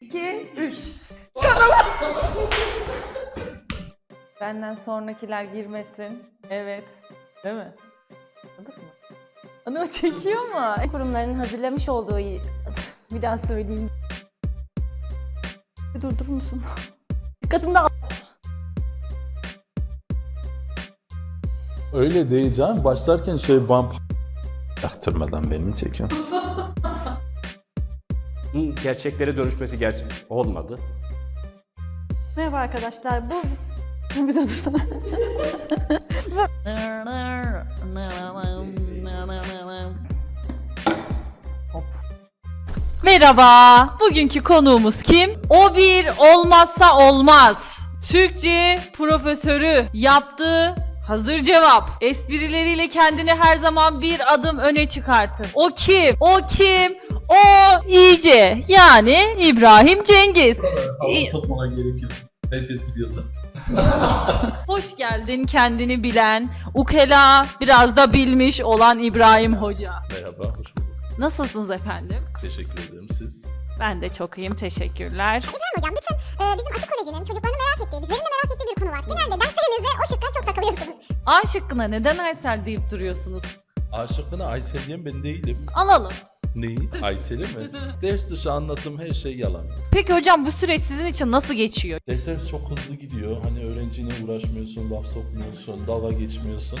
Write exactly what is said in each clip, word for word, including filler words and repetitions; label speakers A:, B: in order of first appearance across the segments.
A: iki, üç.
B: Benden sonrakiler girmesin. Evet. Değil mi? Anladık mı? Ana o çekiyor mu?
C: Kurumların hazırlamış olduğu... Bir daha söyleyeyim. Durdurur musun? Dikkatimi de
D: Öyle değil canım. Başlarken şey bump yaptırmadan beni çekiyor.
E: Bu gerçeklere dönüşmesi gerçek olmadı.
C: Merhaba arkadaşlar, bu... Bir dur dursana.
B: Merhaba. Bugünkü konuğumuz kim? O bir olmazsa olmaz. Türkçe profesörü yaptığı hazır cevap. Esprileriyle kendini her zaman bir adım öne çıkartır. O kim? O kim? O iyice. Yani İbrahim Cengiz.
D: Hava sokmana gerek yok. Herkes biliyor zaten.
B: Hoş geldin kendini bilen, ukela biraz da bilmiş olan İbrahim Hoca.
D: Merhaba, hoş bulduk.
B: Nasılsınız efendim?
D: Teşekkür ederim. Siz?
B: Ben de çok iyiyim, teşekkürler.
F: İbrahim Hocam, bütün e, bizim Açık Koleji'nin çocuklarını merak ettiği, bizlerin de merak ettiği bir konu var. Genelde derslerinizde o şıkka çok takılıyorsunuz.
B: A şıkkına neden Aysel deyip duruyorsunuz?
D: Aşıkına Aysel diyen ben değilim.
B: Alalım.
D: Neyi? Aysel'i mi? Ders dışı anlattığım her şey yalan.
B: Peki hocam bu süreç sizin için nasıl geçiyor?
D: Dersler çok hızlı gidiyor. Hani öğrenciyle uğraşmıyorsun, laf sokmuyorsun, dalga geçmiyorsun.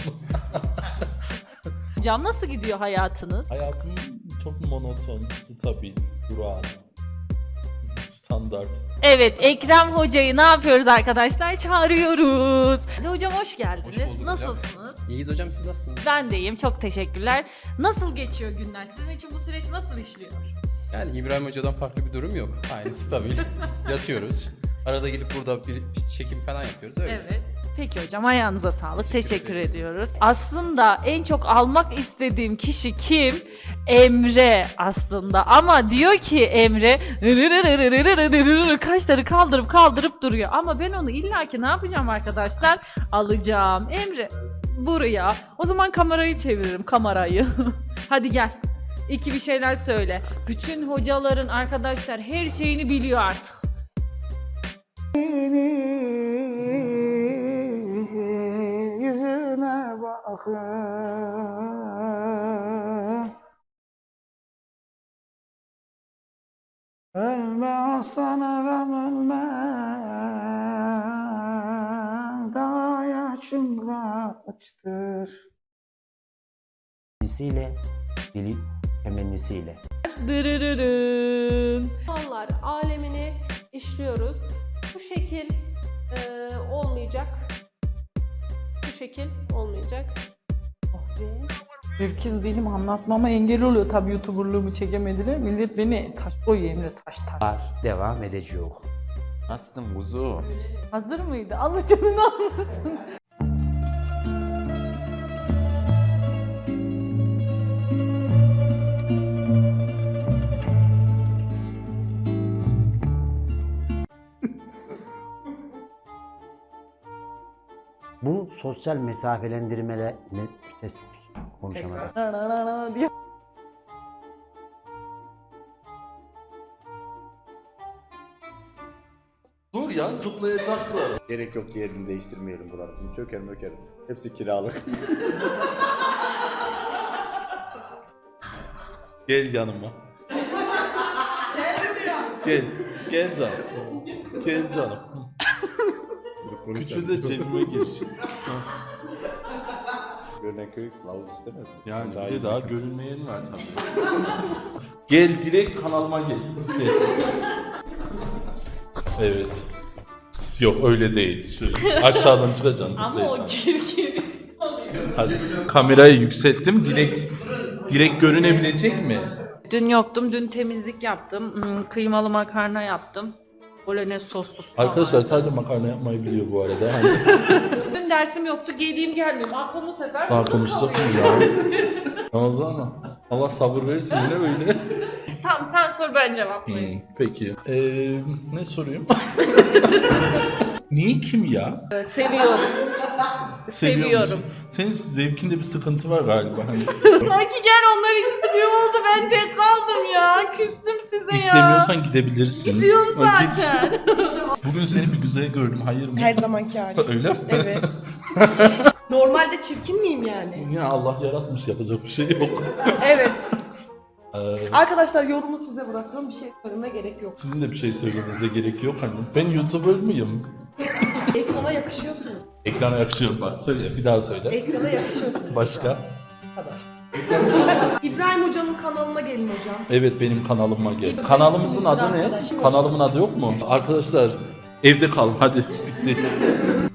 B: Hocam nasıl gidiyor hayatınız?
D: Hayatım çok monoton, stabil, durağan, standart.
B: Evet, Ekrem Hoca'yı ne yapıyoruz arkadaşlar? Çağırıyoruz. Hocam hoş geldiniz.
G: Hoş bulduk hocam.
B: Nasılsınız?
G: İyiyiz hocam, siz nasılsınız?
B: Ben de iyiyim, çok teşekkürler. Nasıl geçiyor günler? Sizin için bu süreç nasıl işliyor?
G: Yani İbrahim Hoca'dan farklı bir durum yok. Aynı stabil. Yatıyoruz. Arada gelip burada bir çekim falan yapıyoruz öyle.
B: Evet. Peki hocam ayağınıza sağlık.
G: Teşekkür
B: Teşekkür,
G: ederim.
B: ediyoruz. Aslında en çok almak istediğim kişi kim? Emre aslında. Ama diyor ki Emre kaşları kaldırıp kaldırıp duruyor. Ama ben onu illaki ne yapacağım arkadaşlar? Alacağım. Emre buraya. O zaman kamerayı çeviririm. Kamerayı. Hadi gel. İki bir şeyler söyle. Bütün hocaların arkadaşlar her şeyini biliyor artık.
A: Yüzüne bakın. Ölme aslanım ölme. Daha yaşım kaçtır.
H: Temennisiyle, dili temennisiyle.
B: Dırırırın.
I: Hayvanlar alemini işliyoruz. Bu şekil e, olmayacak. Bu şekil olmayacak.
A: Ürküz benim anlatmama engel oluyor. Tabii YouTuber'lığımı çekemediler. Millet beni taş koyuyor Emre, taş taş.
H: Var, devam edecek.
E: Nasılsın kuzu?
B: Hazır mıydı? Allah canını almasın.
H: Bu sosyal mesafelendirmele ne ses konuşamadım.
B: Na na na na diye.
D: Dur ya, zıplayacaklar.
J: Gerek yok, yerini değiştirmeyelim buranın. Şimdi çöker möker. Hepsi kiralık.
D: Gel yanıma. Gel, gel canım. Gel canım. Küçüğü de cebime gir.
J: Görünen köy kılavuz istemez mi?
D: Yani
J: Sen
D: bir de daha
J: bilirsin.
D: görünmeyen var tabii. Gel direkt kanalıma gel. Gel. Evet. Yok öyle değil. Şöyle aşağıdan çıkacaksın,
B: Ama o
D: zıplayacaksın.
B: kirkir.
D: Hadi. Kamerayı yükselttim. Direkt direkt görünebilecek mi?
B: Dün yoktum. Dün temizlik yaptım. Hmm, Kıymalı makarna yaptım. Bolognese soslu soğan
D: Arkadaşlar
B: vardı.
D: sadece makarna yapmayı biliyor bu arada. Hani
B: Dün dersim yoktu. Geleyim gelmeyeyim. Aklım bu sefer
D: daha
B: burada
D: konuşsak mı
B: kalıyor.
D: ya? Ramazan ama Allah sabır verirsin yine böyle.
B: Tamam sen sor ben cevaplayayım.
D: Hmm, peki. Ee, ne sorayım? Niye kim ya?
B: Seviyorum.
D: Seviyor
B: Seviyorum.
D: musun? Senin zevkinde bir sıkıntı var galiba. Hani
B: Sanki gel onlar ikisi bir oldu. Ben tek kaldım ya. Küstüm size ya.
D: istemiyorsan gidebilirsin.
B: Gidiyorum
D: Ha, git.
B: zaten.
D: Bugün seni bir güzel gördüm. Hayır mı?
K: Her zamanki hali.
D: Öyle mi?
K: Evet. Normalde çirkin miyim yani?
D: Yine Allah yaratmış, yapacak bir şey yok.
K: Evet.
D: Ee,
K: Arkadaşlar yorumu size bırakıyorum. Bir şey söylememe gerek yok.
D: sizin de bir şey söylemenize gerek yok hani. Ben YouTuber mıyım?
K: Ekrana yakışıyorsunuz.
D: Ekrana yakışıyor bak. Söyle, bir daha söyle.
K: Ekrana yakışıyorsunuz.
D: Başka?
K: Bu kadar. İbrahim Hoca'nın kanalına gelin hocam.
D: Evet, benim kanalıma gel.
K: İbrahim
D: Kanalımızın
K: Sinizli
D: adı ne?
K: arkadaş.
D: Kanalımın adı yok mu? Arkadaşlar evde kal hadi bitti.